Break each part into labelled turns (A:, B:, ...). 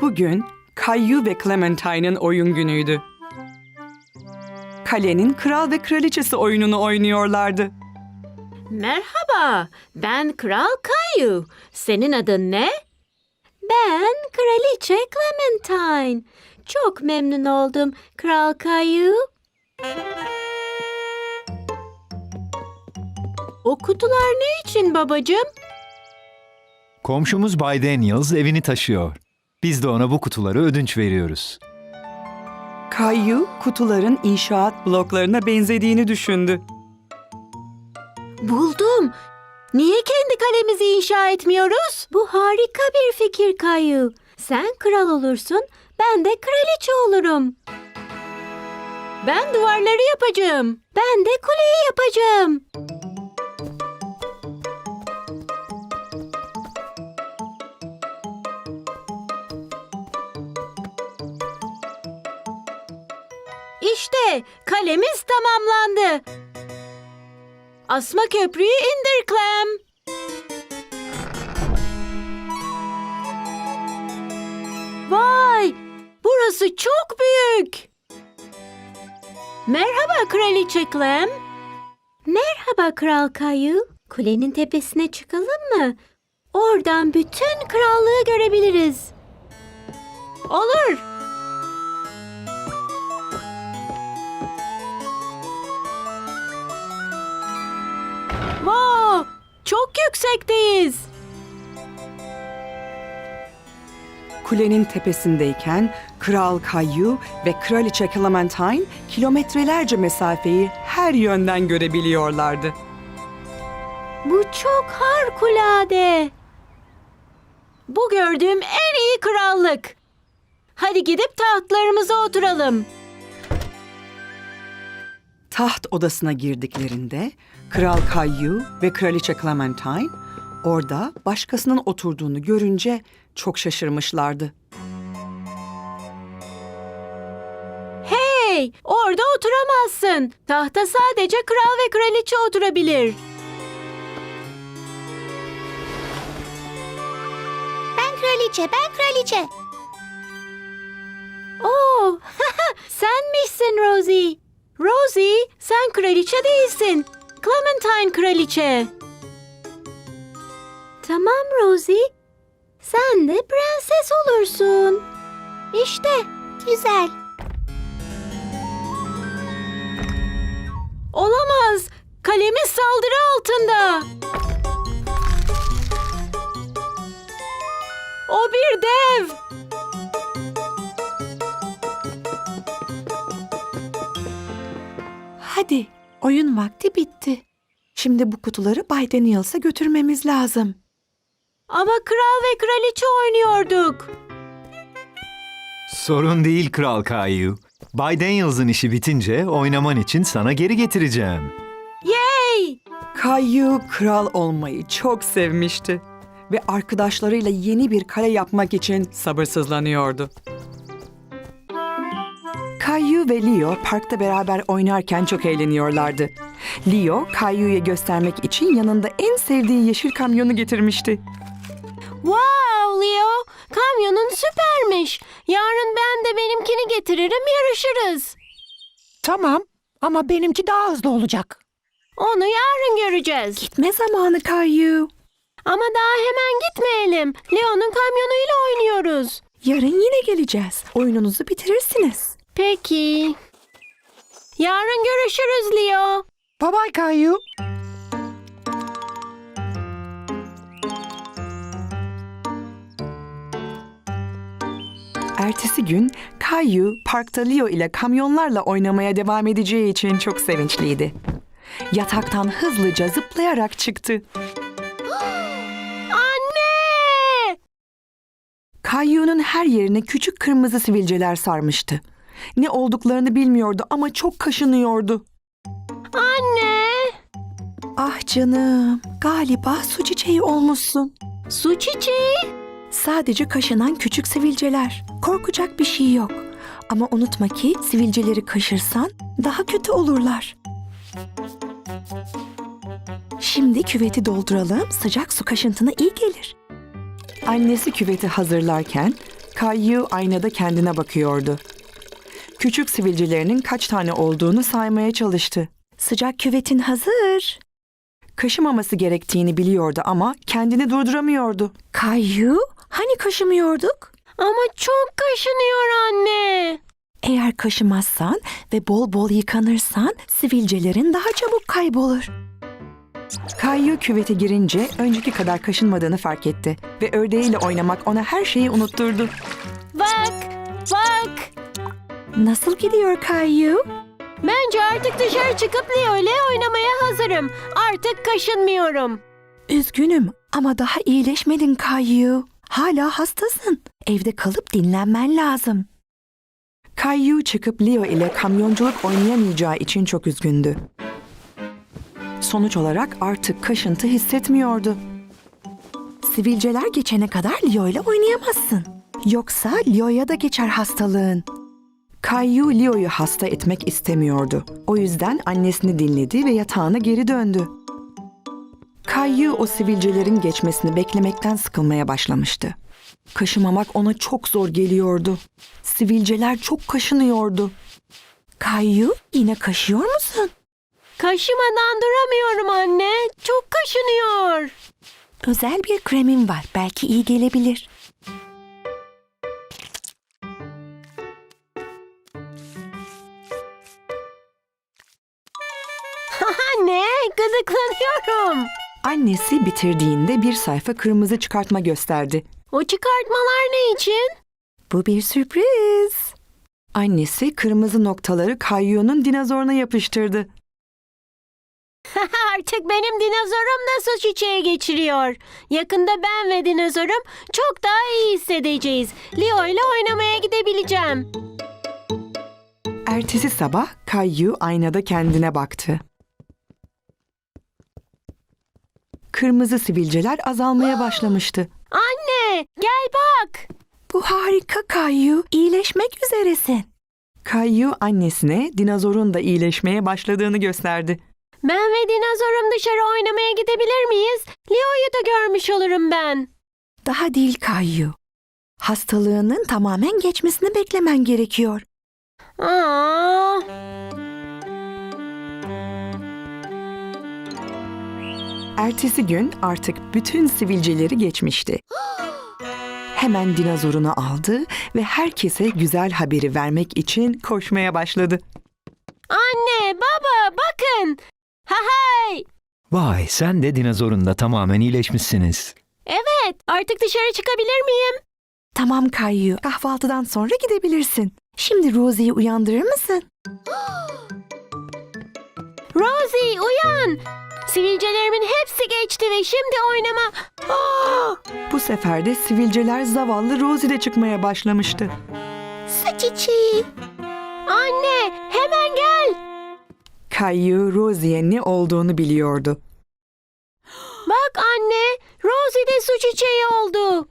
A: Bugün Caillou ve Clementine'ın oyun günüydü. Kalenin kral ve kraliçesi oyununu oynuyorlardı.
B: Merhaba, ben Kral Caillou. Senin adın ne? Ben Kraliçe Clementine. Çok memnun oldum Kral Caillou. O kutular ne için babacığım?
C: Komşumuz Bay Daniels evini taşıyor. Biz de ona bu kutuları ödünç veriyoruz.
A: Caillou kutuların inşaat bloklarına benzediğini düşündü.
B: Buldum. Niye kendi kalemizi inşa etmiyoruz? Bu harika bir fikir Caillou. Sen kral olursun, ben de kraliçe olurum. Ben duvarları yapacağım. Ben de kuleyi yapacağım. İşte kalemiz tamamlandı. Asma köprüyü indir Clem. Vay! Burası çok büyük. Merhaba Kraliçe Clem. Merhaba Kral Caillou. Kulenin tepesine çıkalım mı? Oradan bütün krallığı görebiliriz. Olur. Wow! Çok yüksekteyiz.
A: Kulenin tepesindeyken Kral Caillou ve Kraliçe Clementine kilometrelerce mesafeyi her yönden görebiliyorlardı.
B: Bu çok harikulade. Bu gördüğüm en iyi krallık. Hadi gidip tahtlarımıza oturalım.
A: Taht odasına girdiklerinde Kral Caillou ve Kraliçe Clementine orada başkasının oturduğunu görünce çok şaşırmışlardı.
B: Hey, orada oturamazsın. Tahta sadece kral ve kraliçe oturabilir.
D: Ben kraliçe.
B: Oo, senmişsin Rosie. Rosie, sen kraliçe değilsin. Clementine kraliçe. Tamam Rosie. Sen de prenses olursun. İşte.
D: Güzel.
B: Olamaz. Kalemiz saldırı altında. O bir dev.
A: Hadi, oyun vakti bitti. Şimdi bu kutuları Bay Daniels'a götürmemiz lazım.
B: Ama kral ve kraliçe oynuyorduk.
C: Sorun değil Kral Caillou. Bay Daniels'ın işi bitince oynaman için sana geri getireceğim.
B: Yay!
A: Caillou kral olmayı çok sevmişti ve arkadaşlarıyla yeni bir kale yapmak için sabırsızlanıyordu. Caillou ve Leo parkta beraber oynarken çok eğleniyorlardı. Leo, Caillou'ya göstermek için yanında en sevdiği yeşil kamyonu getirmişti.
B: Wow Leo, kamyonun süpermiş. Yarın ben de benimkini getiririm, yarışırız.
E: Tamam ama benimki daha hızlı olacak.
B: Onu yarın göreceğiz.
A: Gitme zamanı Caillou.
B: Ama daha hemen gitmeyelim. Leo'nun kamyonuyla oynuyoruz.
A: Yarın yine geleceğiz. Oyununuzu bitirirsiniz.
B: Peki. Yarın görüşürüz Leo.
E: Bye bye Caillou.
A: Ertesi gün Caillou parkta Leo ile kamyonlarla oynamaya devam edeceği için çok sevinçliydi. Yataktan hızlıca zıplayarak çıktı.
B: Anne!
A: Caillou'nun her yerine küçük kırmızı sivilceler sarmıştı. Ne olduklarını bilmiyordu ama çok kaşınıyordu.
B: Anne!
A: Ah canım, galiba su çiçeği olmuşsun.
B: Su çiçeği.
A: Sadece kaşınan küçük sivilceler. Korkacak bir şey yok. Ama unutma ki sivilceleri kaşırsan daha kötü olurlar. Şimdi küveti dolduralım, sıcak su kaşıntına iyi gelir. Annesi küveti hazırlarken Caillou aynada kendine bakıyordu. Küçük sivilcelerinin kaç tane olduğunu saymaya çalıştı. Sıcak küvetin hazır. Kaşımaması gerektiğini biliyordu ama kendini durduramıyordu. Caillou, hani kaşımıyorduk?
B: Ama çok kaşınıyor anne.
A: Eğer kaşımazsan ve bol bol yıkanırsan sivilcelerin daha çabuk kaybolur. Caillou küvete girince önceki kadar kaşınmadığını fark etti ve ördeğiyle oynamak ona her şeyi unutturdu.
B: Bak, bak.
A: Nasıl gidiyor Caillou?
B: Bence artık dışarı çıkıp Leo ile oynamaya hazırım. Artık kaşınmıyorum.
A: Üzgünüm ama daha iyileşmedin Caillou. Hala hastasın. Evde kalıp dinlenmen lazım. Caillou çıkıp Leo ile kamyonculuk oynayamayacağı için çok üzgündü. Sonuç olarak artık kaşıntı hissetmiyordu. Sivilceler geçene kadar Leo ile oynayamazsın. Yoksa Leo'ya da geçer hastalığın. Caillou Leo'yu hasta etmek istemiyordu. O yüzden annesini dinledi ve yatağına geri döndü. Caillou o sivilcelerin geçmesini beklemekten sıkılmaya başlamıştı. Kaşımamak ona çok zor geliyordu. Sivilceler çok kaşınıyordu. Caillou, yine kaşıyor musun?
B: Kaşımadan duramıyorum anne. Çok kaşınıyor.
A: Özel bir kremim var. Belki iyi gelebilir.
B: Anne, gıdıklanıyorum.
A: Annesi bitirdiğinde bir sayfa kırmızı çıkartma gösterdi.
B: O çıkartmalar ne için?
A: Bu bir sürpriz. Annesi kırmızı noktaları Caillou'nun dinozoruna yapıştırdı.
B: Artık benim dinozorum da su çiçeği geçiriyor. Yakında ben ve dinozorum çok daha iyi hissedeceğiz. Leo ile oynamaya gidebileceğim.
A: Ertesi sabah Caillou aynada kendine baktı. Kırmızı sivilceler azalmaya başlamıştı.
B: Anne, gel bak.
A: Bu harika Caillou, iyileşmek üzeresin. Caillou annesine dinozorun da iyileşmeye başladığını gösterdi.
B: Ben ve dinozorum dışarı oynamaya gidebilir miyiz? Leo'yu da görmüş olurum ben.
A: Daha değil Caillou. Hastalığının tamamen geçmesini beklemen gerekiyor.
B: Aa.
A: Ertesi gün artık bütün sivilceleri geçmişti. Hemen dinozorunu aldı ve herkese güzel haberi vermek için koşmaya başladı.
B: Anne, baba, bakın. Ha hay.
C: Vay, sen de dinozorun da tamamen iyileşmişsiniz.
B: Evet, artık dışarı çıkabilir miyim?
A: Tamam Caillou, kahvaltıdan sonra gidebilirsin. Şimdi Rosie'yi uyandırır mısın?
B: Rosie, uyan. Sivilcelerimin hepsi geçti ve şimdi oynama. Aa!
A: Bu sefer de sivilceler zavallı Rosie'de çıkmaya başlamıştı.
D: Su çiçeği.
B: Anne, hemen gel.
A: Caillou Rosie'ye ne olduğunu biliyordu.
B: Bak anne, Rosie de su çiçeği oldu.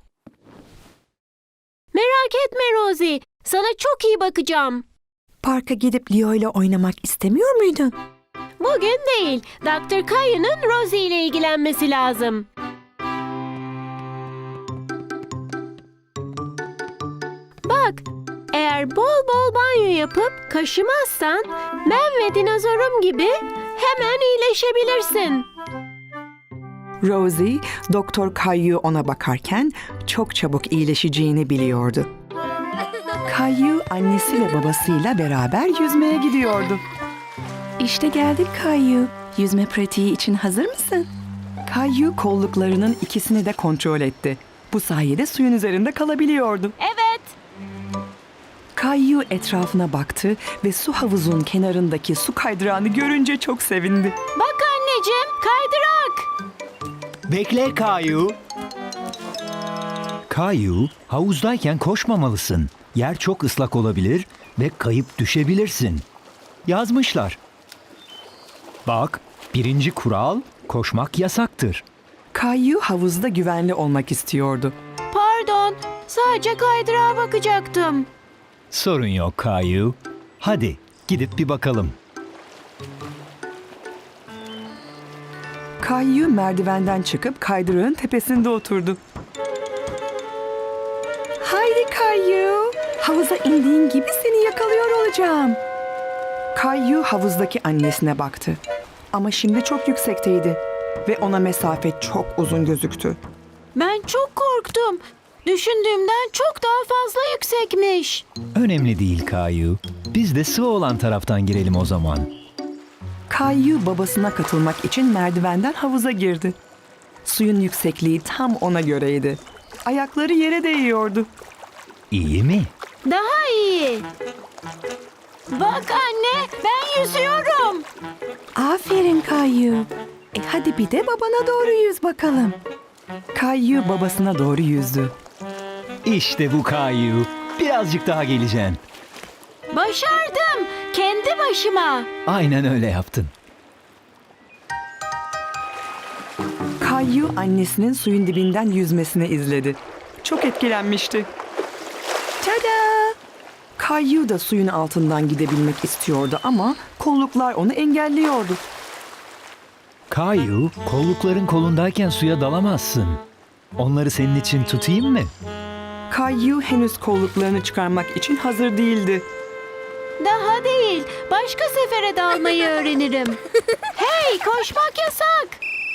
B: Merak etme Rosie, sana çok iyi bakacağım.
A: Parka gidip Leo ile oynamak istemiyor muydun?
B: Bugün değil, Dr. Caillou'nun Rosie ile ilgilenmesi lazım. Bak, eğer bol bol banyo yapıp kaşımazsan ben ve dinozorum gibi hemen iyileşebilirsin.
A: Rosie, Doktor Caillou ona bakarken çok çabuk iyileşeceğini biliyordu. Caillou annesi ve babasıyla beraber yüzmeye gidiyordu. İşte geldik Caillou. Yüzme pratiği için hazır mısın? Caillou kolluklarının ikisini de kontrol etti. Bu sayede suyun üzerinde kalabiliyordu.
B: Evet.
A: Caillou etrafına baktı ve su havuzunun kenarındaki su kaydırağını görünce çok sevindi.
B: Bak anneciğim, kaydırak.
C: Bekle Caillou. Caillou, havuzdayken koşmamalısın. Yer çok ıslak olabilir ve kayıp düşebilirsin. Yazmışlar. Bak, 1. kural, koşmak yasaktır.
A: Caillou havuzda güvenli olmak istiyordu.
B: Pardon, sadece kaydırağa bakacaktım.
C: Sorun yok Caillou. Hadi gidip bir bakalım.
A: Caillou merdivenden çıkıp kaydırağın tepesinde oturdu. Hay Haydi Kayu. Havuza indiğin gibi seni yakalıyor olacağım. Kayu havuzdaki annesine baktı. Ama şimdi çok yüksekteydi. Ve ona mesafe çok uzun gözüktü.
B: Ben çok korktum. Düşündüğümden çok daha fazla yüksekmiş.
C: Önemli değil Kayu. Biz de sıvı olan taraftan girelim o zaman.
A: Kayu babasına katılmak için merdivenden havuza girdi. Suyun yüksekliği tam ona göreydi. Ayakları yere değiyordu.
C: İyi mi?
B: Daha iyi. Bak anne, ben yüzüyorum.
A: Aferin Kayu. Hadi bir de babana doğru yüz bakalım. Kayu babasına doğru yüzdü.
C: İşte bu Kayu. Birazcık daha geleceksin.
B: Başardım. Kendi başıma.
C: Aynen öyle yaptın.
A: Kayu annesinin suyun dibinden yüzmesini izledi. Çok etkilenmişti. Tada! Kayu da suyun altından gidebilmek istiyordu ama kolluklar onu engelliyordu.
C: Kayu, kollukların kolundayken suya dalamazsın. Onları senin için tutayım mı?
A: Kayu henüz kolluklarını çıkarmak için hazır değildi.
B: Daha değil. Başka sefere dalmayı öğrenirim. Hey, koşmak yasak.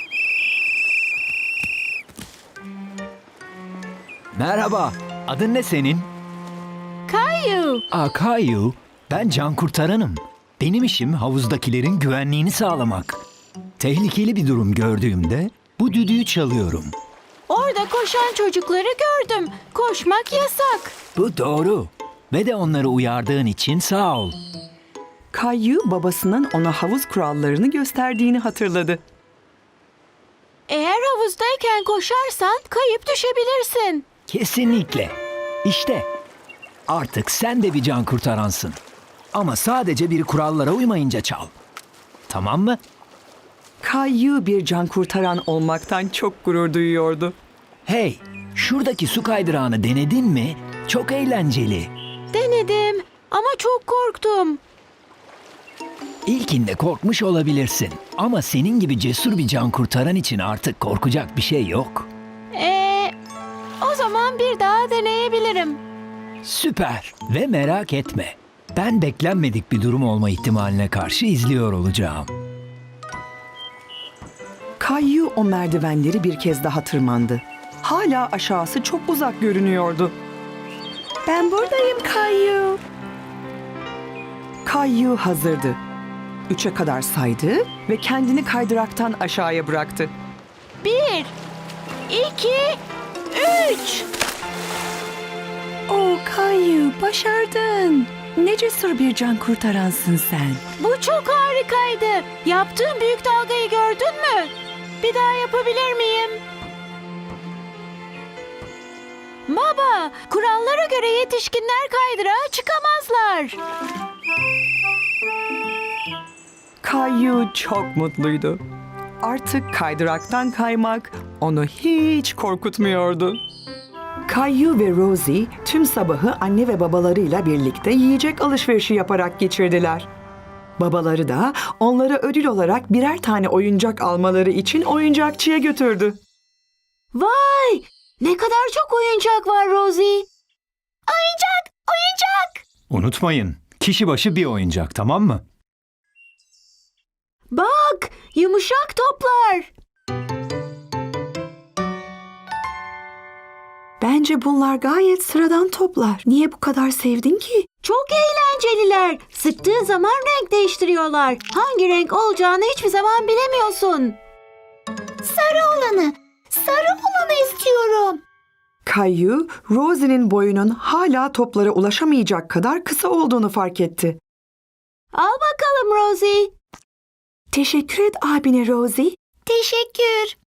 C: Merhaba, adın ne senin?
B: Kayu.
C: Kayu, ben can kurtaranım. Benim işim havuzdakilerin güvenliğini sağlamak. Tehlikeli bir durum gördüğümde bu düdüğü çalıyorum.
B: Orada koşan çocukları gördüm. Koşmak yasak.
C: Bu doğru. Ve de onları uyardığın için sağ ol.
A: Kayu babasının ona havuz kurallarını gösterdiğini hatırladı.
B: Eğer havuzdayken koşarsan kayıp düşebilirsin.
C: Kesinlikle. İşte artık sen de bir can kurtaransın. Ama sadece bir kurallara uymayınca çal. Tamam mı?
A: Kayu bir can kurtaran olmaktan çok gurur duyuyordu.
C: Hey, şuradaki su kaydırağını denedin mi? Çok eğlenceli.
B: Denedim ama çok korktum.
C: İlkinde korkmuş olabilirsin. Ama senin gibi cesur bir can kurtaran için artık korkacak bir şey yok.
B: O zaman bir daha deneyebilirim.
C: Süper ve merak etme. Ben beklenmedik bir durum olma ihtimaline karşı izliyor olacağım.
A: Kayu o merdivenleri bir kez daha tırmandı. Hala aşağısı çok uzak görünüyordu. Ben buradayım Kayu. Kayu hazırdı. 3'e kadar saydı ve kendini kaydıraktan aşağıya bıraktı.
B: 1, 2, 3.
A: Kayu başardın. Ne cesur bir can kurtaransın sen.
B: Bu çok harikaydı. Yaptığım büyük dalgayı gördün mü? Bir daha yapabilir miyim? Baba, kurallara göre yetişkinler kaydırağa çıkamazlar.
A: Kayu çok mutluydu. Artık kaydıraktan kaymak onu hiç korkutmuyordu. Kayu ve Rosie tüm sabahı anne ve babalarıyla birlikte yiyecek alışverişi yaparak geçirdiler. Babaları da onlara ödül olarak birer tane oyuncak almaları için oyuncakçıya götürdü.
B: Vay! Ne kadar çok oyuncak var Rosie. Oyuncak!
C: Unutmayın, kişi başı bir oyuncak, tamam mı?
B: Bak! Yumuşak toplar.
A: Bence bunlar gayet sıradan toplar. Niye bu kadar sevdin ki?
B: Çok eğlenceliler. Sıktığın zaman renk değiştiriyorlar. Hangi renk olacağını hiçbir zaman bilemiyorsun.
D: Sarı olanı istiyorum.
A: Kayu, Rosie'nin boyunun hala toplara ulaşamayacak kadar kısa olduğunu fark etti.
B: Al bakalım Rosie.
A: Teşekkür et abine Rosie.
D: Teşekkür.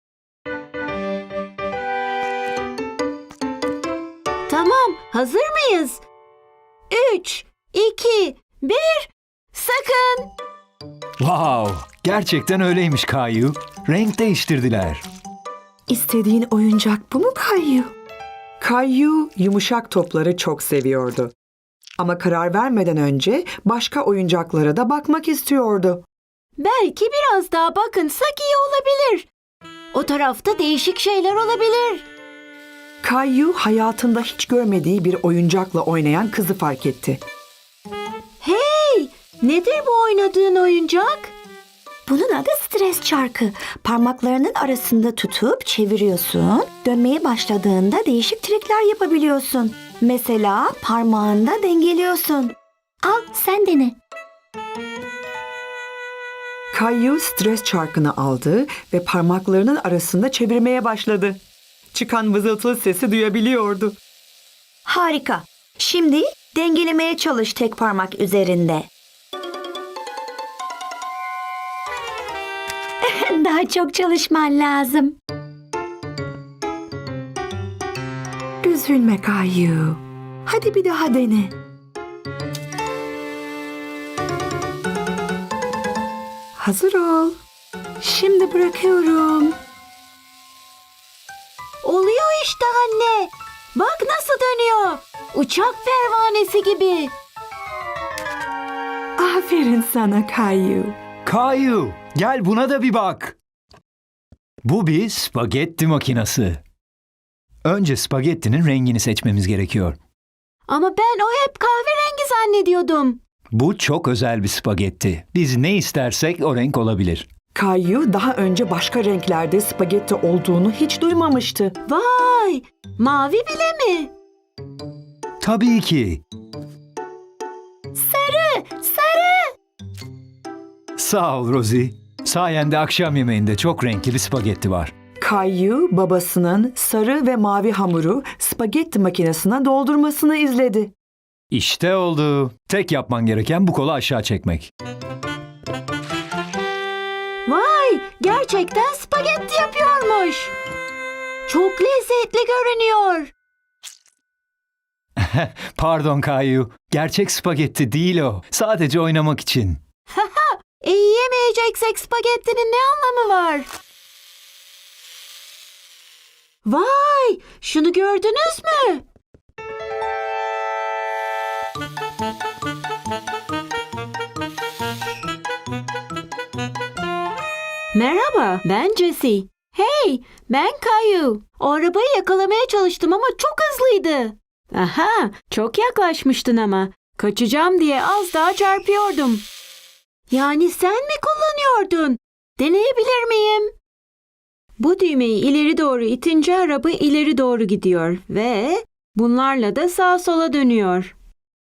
B: Tamam, hazır mıyız? 3, 2, 1, sakın!
C: Wow, gerçekten öyleymiş Kayu. Renk değiştirdiler.
A: İstediğin oyuncak bu mu Kayu? Kayu yumuşak topları çok seviyordu. Ama karar vermeden önce başka oyuncaklara da bakmak istiyordu.
B: Belki biraz daha bakınsak iyi olabilir. O tarafta değişik şeyler olabilir.
A: Kayu hayatında hiç görmediği bir oyuncakla oynayan kızı fark etti.
B: Hey, nedir bu oynadığın oyuncak?
D: Bunun adı stres çarkı. Parmaklarının arasında tutup çeviriyorsun. Dönmeye başladığında değişik trikler yapabiliyorsun. Mesela parmağında dengeliyorsun. Al sen dene.
A: Kayu stres çarkını aldı ve parmaklarının arasında çevirmeye başladı. Çıkan vızıltılı sesi duyabiliyordu.
D: Harika. Şimdi dengelemeye çalış tek parmak üzerinde. Daha çok çalışman lazım.
A: Üzülme Kayu. Hadi bir daha dene. Hazır ol. Şimdi bırakıyorum.
B: Oluyor işte anne. Bak nasıl dönüyor. Uçak pervanesi gibi.
A: Aferin sana Kayu.
C: Kayu, gel buna da bir bak. Bu bir spagetti makinesi. Önce spagettinin rengini seçmemiz gerekiyor.
B: Ama ben o hep kahverengi zannediyordum.
C: Bu çok özel bir spagetti. Biz ne istersek o renk olabilir.
A: Kayu daha önce başka renklerde spagetti olduğunu hiç duymamıştı.
B: Vay, mavi bile mi?
C: Tabii ki.
D: Sarı.
C: Sağ ol Rosie. Sayende akşam yemeğinde çok renkli bir spagetti var.
A: Kayu babasının sarı ve mavi hamuru spagetti makinesine doldurmasını izledi.
C: İşte oldu. Tek yapman gereken bu kolu aşağı çekmek.
B: Vay, gerçekten spagetti yapıyormuş. Çok lezzetli görünüyor.
C: Pardon Kayu. Gerçek spagetti değil o. Sadece oynamak için.
B: Yiyemeyeceksek spagettinin ne anlamı var? Vay, şunu gördünüz mü? Merhaba, ben Jessie. Hey, ben Kayu. O arabayı yakalamaya çalıştım ama çok hızlıydı. Aha, çok yaklaşmıştın ama. Kaçacağım diye az daha çarpıyordum. Yani sen mi kullanıyordun? Deneyebilir miyim? Bu düğmeyi ileri doğru itince araba ileri doğru gidiyor ve bunlarla da sağa sola dönüyor.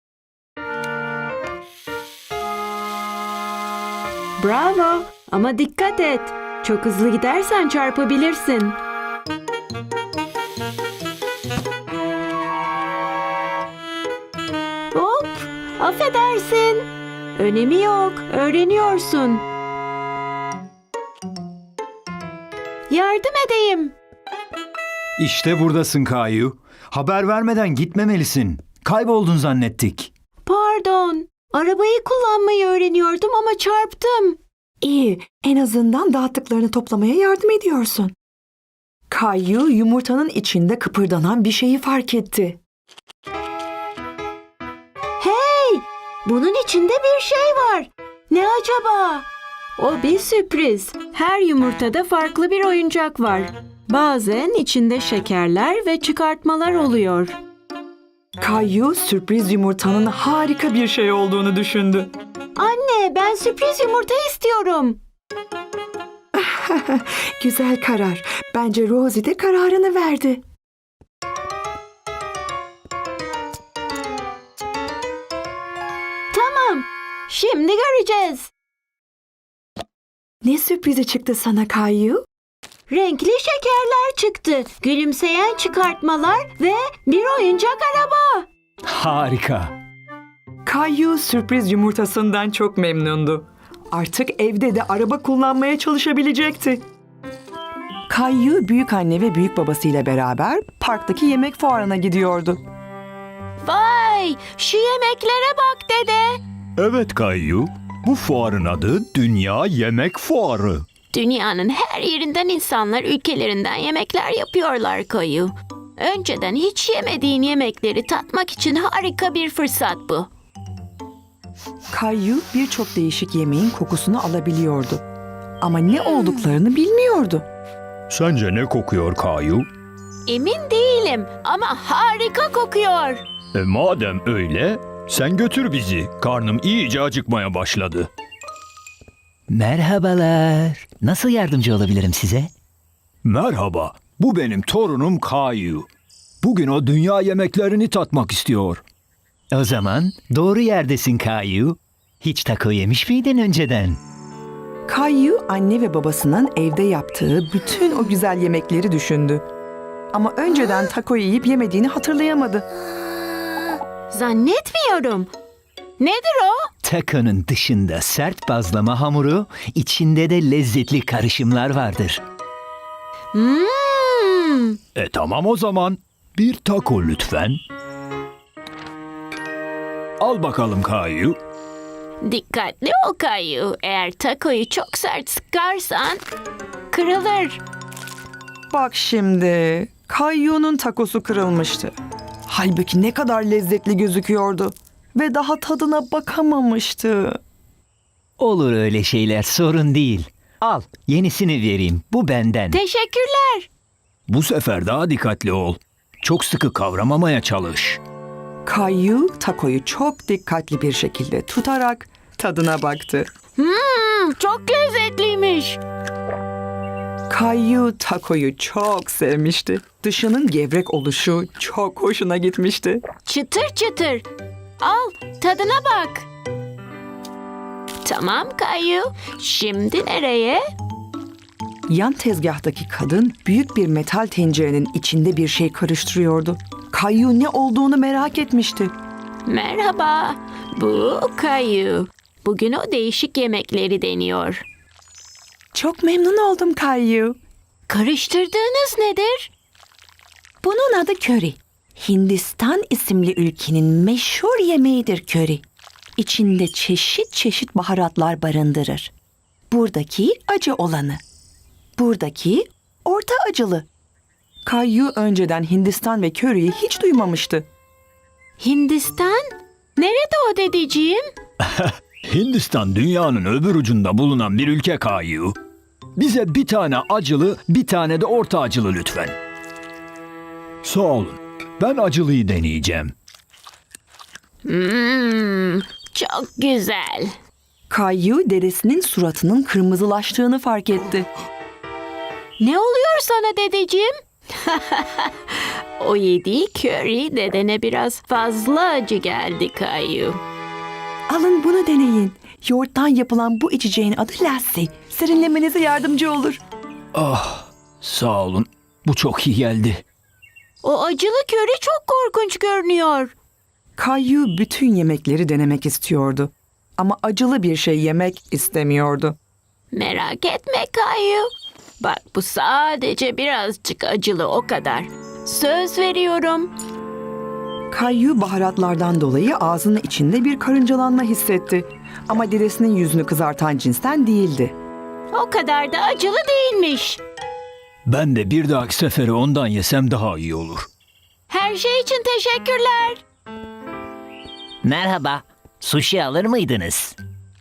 B: Bravo, ama dikkat et. Çok hızlı gidersen çarpabilirsin. Hop, affedersin. Önemi yok, öğreniyorsun. Yardım edeyim.
C: İşte buradasın Kayu. Haber vermeden gitmemelisin. Kayboldun zannettik.
B: Pardon, arabayı kullanmayı öğreniyordum ama çarptım.
A: İyi, en azından dağıttıklarını toplamaya yardım ediyorsun. Kayu yumurtanın içinde kıpırdanan bir şeyi fark etti.
B: Hey, bunun içinde bir şey var. Ne acaba? O bir sürpriz. Her yumurtada farklı bir oyuncak var. Bazen içinde şekerler ve çıkartmalar oluyor.
A: Kayu sürpriz yumurtanın harika bir şey olduğunu düşündü.
B: Anne, ben sürpriz yumurta istiyorum.
A: Güzel karar. Bence Rosie de kararını verdi.
B: Tamam, şimdi göreceğiz.
A: Ne sürprizi çıktı sana Kayu?
B: Renkli şekerler çıktı, gülümseyen çıkartmalar ve bir oyuncak araba.
C: Harika.
A: Kayu sürpriz yumurtasından çok memnundu. Artık evde de araba kullanmaya çalışabilecekti. Kayu büyük anne ve büyük babasıyla beraber parktaki yemek fuarına gidiyordu.
B: Vay, şu yemeklere bak dede.
F: Evet Kayu, bu fuarın adı Dünya Yemek Fuarı.
G: Dünyanın her yerinden insanlar ülkelerinden yemekler yapıyorlar Kayu. Önceden hiç yemediğin yemekleri tatmak için harika bir fırsat bu.
A: Kayu birçok değişik yemeğin kokusunu alabiliyordu. Ama ne olduklarını bilmiyordu.
F: Sence ne kokuyor Kayu?
G: Emin değilim ama harika kokuyor.
F: Madem öyle, sen götür bizi. Karnım iyice acıkmaya başladı.
C: Merhabalar. Nasıl yardımcı olabilirim size?
F: Merhaba, bu benim torunum Kayu. Bugün o dünya yemeklerini tatmak istiyor.
C: O zaman doğru yerdesin Kayu. Hiç taco yemiş miydin önceden?
A: Kayu anne ve babasının evde yaptığı bütün o güzel yemekleri düşündü. Ama önceden taco yiyip yemediğini hatırlayamadı.
G: Zannetmiyorum. Nedir o?
C: Taco'nun dışında sert bazlama hamuru, içinde de lezzetli karışımlar vardır.
F: Tamam o zaman. Bir taco lütfen. Al bakalım Kayu.
G: Dikkatli ol Kayu. Eğer takoyu çok sert sıkarsan kırılır.
A: Bak şimdi, Kayu'nun takosu kırılmıştı. Halbuki ne kadar lezzetli gözüküyordu ve daha tadına bakamamıştı.
C: Olur öyle şeyler, sorun değil. Al, yenisini vereyim. Bu benden.
G: Teşekkürler.
F: Bu sefer daha dikkatli ol. Çok sıkı kavramamaya çalış.
A: Kayu takoyu çok dikkatli bir şekilde tutarak tadına baktı.
G: Çok lezzetliymiş.
A: Kayu takoyu çok sevmişti. Dışının gevrek oluşu çok hoşuna gitmişti.
G: Çıtır çıtır. Al, tadına bak. Tamam Kayu. Şimdi nereye?
A: Yan tezgahtaki kadın büyük bir metal tencerenin içinde bir şey karıştırıyordu. Kayu ne olduğunu merak etmişti.
G: Merhaba. Bu Kayu. Bugün o değişik yemekleri deniyor.
A: Çok memnun oldum Kayu.
G: Karıştırdığınız nedir?
D: Bunun adı köri. Hindistan isimli ülkenin meşhur yemeğidir köri. İçinde çeşit çeşit baharatlar barındırır. Buradaki acı olanı. Buradaki orta acılı.
A: Kayu önceden Hindistan ve köriyi hiç duymamıştı.
G: Hindistan? Nerede o dedeciğim?
F: Hindistan dünyanın öbür ucunda bulunan bir ülke Kayu. Bize bir tane acılı, bir tane de orta acılı lütfen. Sağ olun. Ben acılıyı deneyeceğim.
G: Çok güzel.
A: Kayu dedesinin suratının kırmızılaştığını fark etti.
G: Ne oluyor sana dedeciğim? O yediği köri dedene biraz fazla acı geldi Kayu.
A: Alın bunu deneyin. Yoğurttan yapılan bu içeceğin adı lassi. Serinlemenize yardımcı olur.
F: Sağ olun. Bu çok iyi geldi.
G: O acılı köri çok korkunç görünüyor.
A: Kayu bütün yemekleri denemek istiyordu. Ama acılı bir şey yemek istemiyordu.
G: Merak etme Kayu. Bak bu sadece birazcık acılı o kadar. Söz veriyorum.
A: Kayu baharatlardan dolayı ağzının içinde bir karıncalanma hissetti. Ama dedesinin yüzünü kızartan cinsten değildi.
G: O kadar da acılı değilmiş.
F: Ben de bir dahaki sefere ondan yesem daha iyi olur.
G: Her şey için teşekkürler.
C: Merhaba. Sushi alır mıydınız?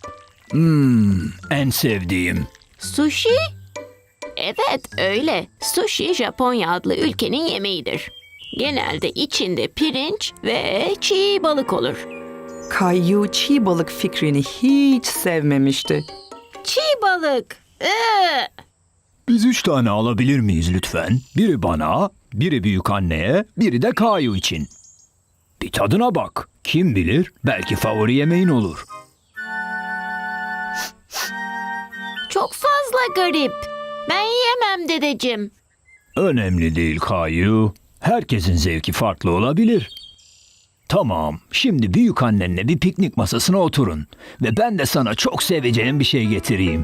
F: En sevdiğim.
G: Sushi? Evet öyle. Sushi Japonya adlı ülkenin yemeğidir. Genelde içinde pirinç ve çiğ balık olur.
A: Kayu çiğ balık fikrini hiç sevmemişti.
G: Çiğ balık.
F: Biz 3 tane alabilir miyiz lütfen? Biri bana, biri büyük anneye, biri de Kayu için. Bir tadına bak. Kim bilir belki favori yemeğin olur.
G: Çok fazla garip. Ben yiyemem dedeciğim.
F: Önemli değil Kayu. Herkesin zevki farklı olabilir. Tamam, şimdi büyük annenle bir piknik masasına oturun. Ve ben de sana çok seveceğin bir şey getireyim.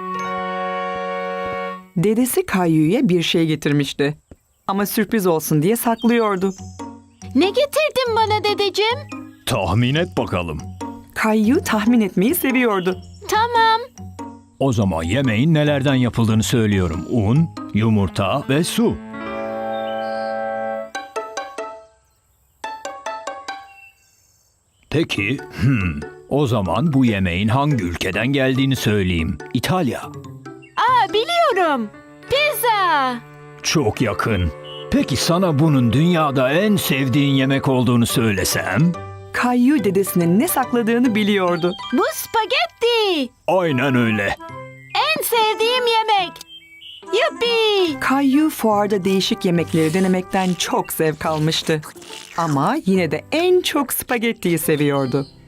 A: Dedesi Kayu'ya bir şey getirmişti. Ama sürpriz olsun diye saklıyordu.
G: Ne getirdin bana dedeciğim?
F: Tahmin et bakalım.
A: Kayu tahmin etmeyi seviyordu.
G: Tamam.
F: O zaman yemeğin nelerden yapıldığını söylüyorum. Un, yumurta ve su. Peki, o zaman bu yemeğin hangi ülkeden geldiğini söyleyeyim. İtalya.
G: Aa biliyorum. Pizza.
F: Çok yakın. Peki sana bunun dünyada en sevdiğin yemek olduğunu söylesem?
A: Kayu dedesinin ne sakladığını biliyordu.
G: Bu spagetti.
F: Aynen öyle.
G: En sevdiğim yemek. Yuppi.
A: Kayu fuarda değişik yemekleri denemekten çok zevk almıştı. Ama yine de en çok spagettiyi seviyordu.